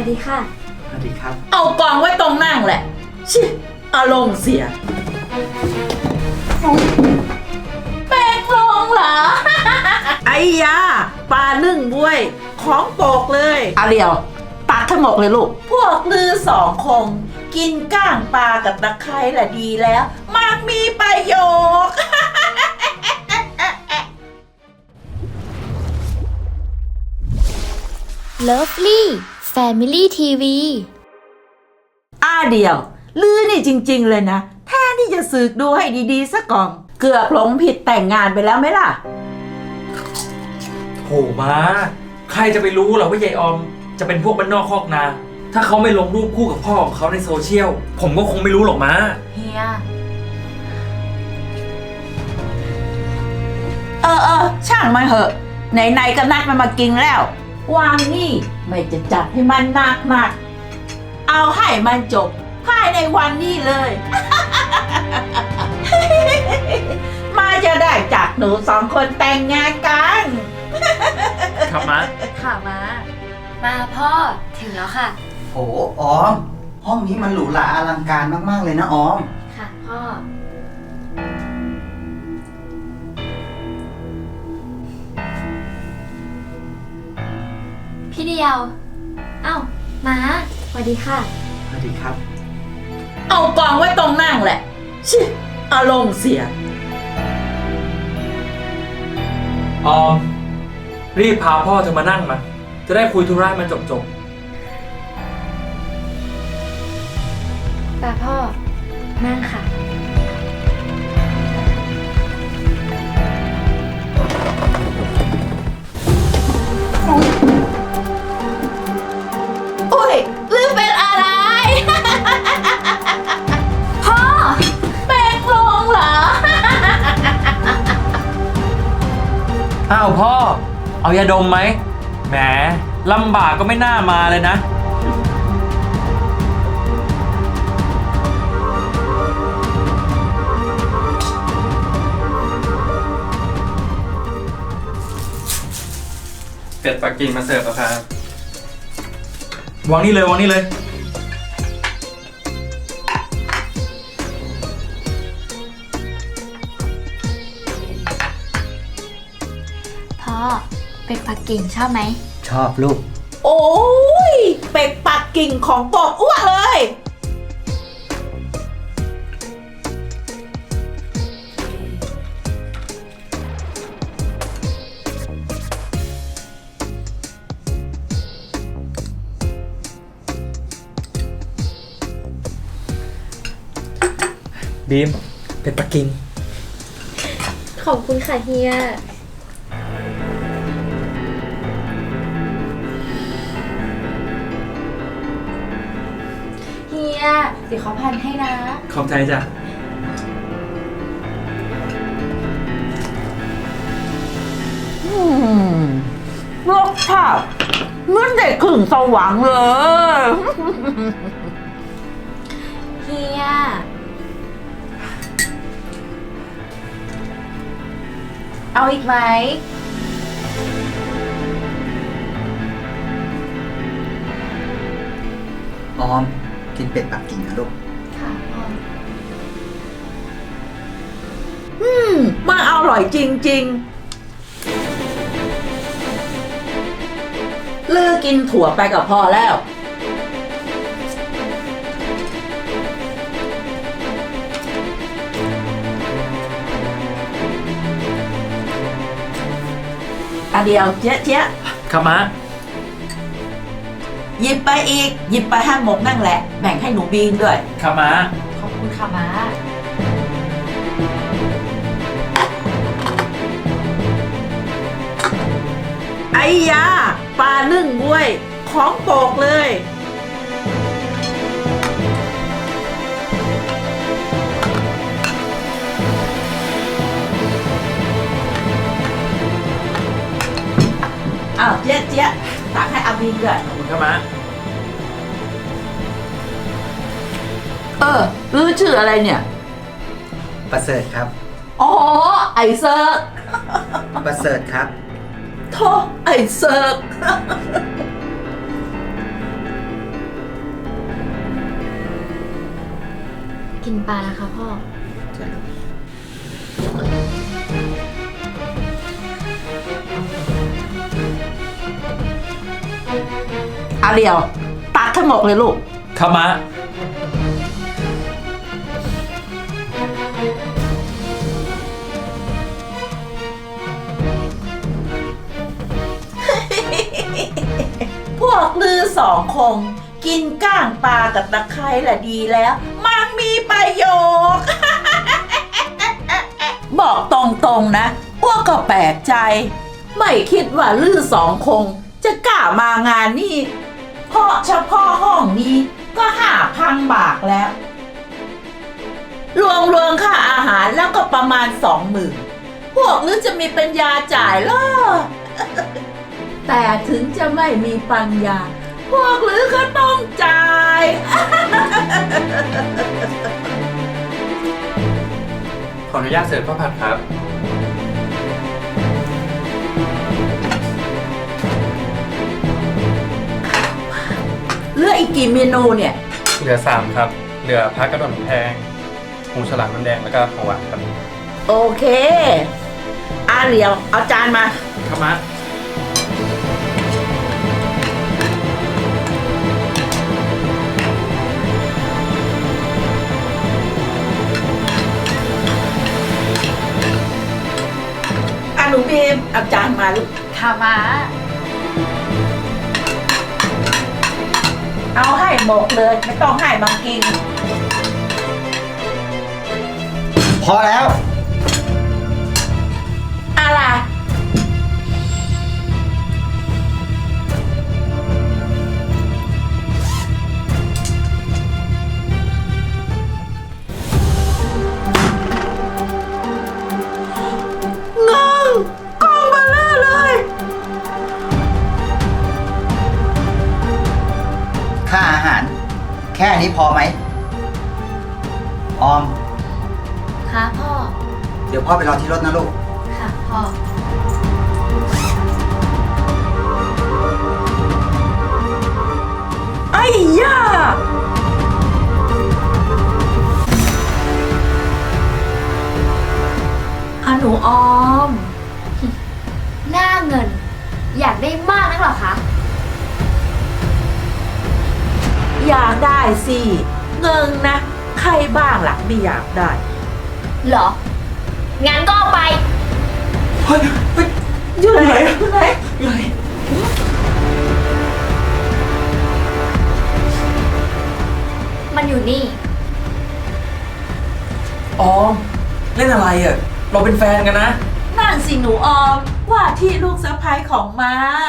ดีค่ะสวัสดีครับเอากองไว้ตรงนั่งแหละชิอารมณ์เสียแป้งลงเหรอ ไอ้ยาปลานึ่งบวยของโปกเลยอาเรียวตักทั้งหมดเลยลูก พวกลือสองคง กินก้างปลากับตะไคร้แหละดีแล้ว มากมีประโยชน์ Lovely Family TV เดียวลือนี่จริงๆเลยนะแทนที่จะสึกดูให้ดีๆสักก่อนเกือบหลงผิดแต่งงานไปแล้วไหมล่ะโหมาใครจะไปรู้หรอว่ายายออมจะเป็นพวกบ้านนอกคอกนา ถ้าเขาไม่ลงรูปคู่กับพ่อของเขาในโซเชียลผมก็คงไม่รู้หรอกมาเฮียช่างมันเหอะไหนๆก็นัดมันมากินแล้ววางนี่ไม่จะจัดให้มันหนักเอาให้มันจบภายในวันนี้เลย มาจะได้จากหนูสองคนแต่งงานกันครับมาค่ะมาพ่อถึงแล้วค่ะโหออมห้องนี้มันหรูหราอลังการมากๆเลยนะออมค่ะพ่อพี่เดียวเอ้ามาสวัสดีค่ะสวัสดีครับเอากองไว้ตรงนั่งแหละชิอารมณ์เสียออมรีบพาพ่อเธอมานั่งมาจะได้คุยธุระมันจบพ่อนั่งค่ะโอ้ยลืมเป็นอะไรพ่อแป้งลงเหรออ้าวพ่อเอายาดมไหมแหมลำบากก็ไม่น่ามาเลยนะเป็ดปักกิ่งมาเสิร์ฟแล้วครับวางนี่เลยวางนี่เลยพ่อเป็ดปักกิ่งชอบไหมชอบลูกโอ้ยเป็ดปักกิ่งของโปกอ้วกเลยบีมเป็ดปักกิ่งขอบคุณค่ะเฮียเดี๋ยวเขาพันให้นะขอบใจจ้ะรสชาติเหมือนได้ขึ้นสวรรค์เลยเฮียเอาอีกไหมออมกินเป็ดปักกิ่งนะลูกค่ะพ่อมันอร่อยจริงๆลือกินถั่วไปกับพ่อแล้วเดียวเจ๊ะครับมาหยิบไปอีกหยิบไปห้าหมกนั่งแหละแบ่งให้หนูบีนด้วยครับมาขอบคุณค่ะมาไอ้ยาปลานึ่งบวยของโปกเลยอ้าวเจ๊ะตักให้อาบีนด้วยขอบคุณครับมาลือชื่ออะไรเนี่ยประเสริฐครับอ๋อไอเซิร์กประเสริฐครับโธ่ไอเซิร์กกินปลานะคะพ่ออาเรียวตักทั้งหมดเลยลูกครับมะพวกลือสองคง กินก้างปลากับตะไคร้แหละดีแล้ว มันมีประโยชน์ บอกตรงๆนะอ้วกก็แปลกใจ ไม่คิดว่าลือสองคง จะกล้ามางานนี้เพราะเฉพาะห้องนี้ก็5,000 บาทแล้ว รวมค่าอาหารแล้วก็ประมาณ20,000พวกลือจะมีปัญญาจ่ายเหรอ แต่ถึงจะไม่มีปัญญา พวกลือก็ต้องจ่ายขออนุญาตเสิร์ฟข้าวผัดครับเหลืออีกกี่เมนูเนี่ยเหลือ 3 ครับ เหลือพักกระดอนแพงหมูฉลามน้ำแดงแล้วก็ของหวานครับโอเคอาเรียว เอาจานมาครับมะหนูบีมเอาจานมาลูกค่ะมาเอาให้หมดเลย ไม่ต้องให้บางกินพอแล้วอะไร เงินกองเบลอเลยค่าอาหาร แค่นี้พอไหม ออมค่ะพ่อเดี๋ยวพ่อไปรอที่รถนะลูกค่ะพ่อไอ้ย่าหนูออมหน้าเงิน อยากได้มากนักเหรอคะอยากได้สิ เงินนะ ใครบ้างล่ะไม่อยากได้เหรอ งั้นก็เอาไปเฮ้ยเฮ้ยอยู่ไหนอยู่ไหนอยู่ไหนมันอยู่นี่ออม เล่นอะไรอ่ะ เราเป็นแฟนกันนะนั่นสิหนูออม ว่าที่ลูกสะใภ้ของมา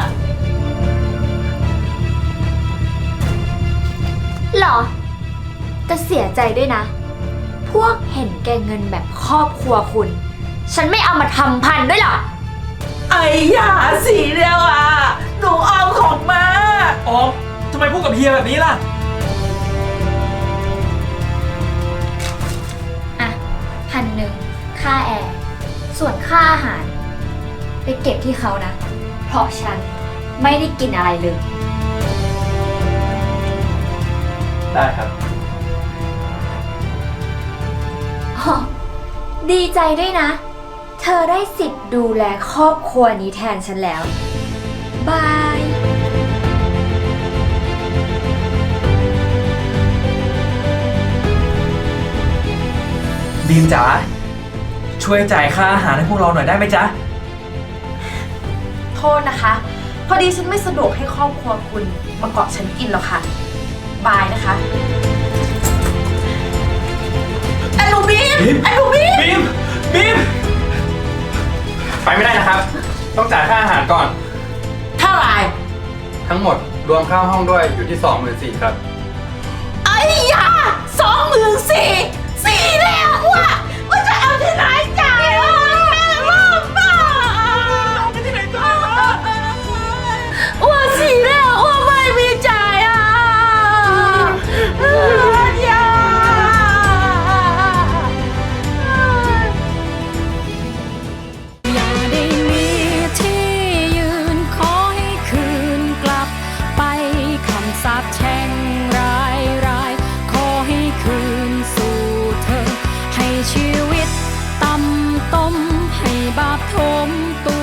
เหรอ แต่เสียใจด้วยนะ พวกเห็นแก่เงินแบบครอบครัวคุณ ฉันไม่เอามาทำพันด้วยหรอกไอ้ยาสีเดียวอ่ะ หนูออมของมาออม ทำไมพูดกับเฮียแบบนี้ล่ะอ่ะ1,000ค่าแอร์ ส่วนค่าอาหาร ไปเก็บที่เขานะ เพราะฉันไม่ได้กินอะไรเลยได้ครับอ๋อ ดีใจด้วยนะ เธอได้สิทธิ์ดูแลครอบครัวนี้แทนฉันแล้ว บายบีมจ๋า ช่วยจ่ายค่าอาหารให้พวกเราหน่อยได้ไหมจ๊ะโทษนะคะ พอดีฉันไม่สะดวกให้ครอบครัวคุณมาเกาะฉันกินหรอกค่ะ บายนะคะไอ้หนูบีมบีมไอ้หนูบีมบีม บีมไปไม่ได้นะครับ ต้องจ่ายค่าอาหารก่อนเท่าไหร่ทั้งหมดรวมค่าห้องด้วยอยู่ที่ 24,000ครับไอ้ยา24,000แล้วว่ะว่าจะเอาที่ไหนจ่ายอ่ะแม่ลูกบ้าเอาที่ไหนจ่ายว่า4แล้วว่าไม่มีจ่ายอ่ะยาอย่าได้มีที่ยืนขอให้คืนกลับไปคำสาปแช่งร้ายขอให้คืนสู่บาปทมตัว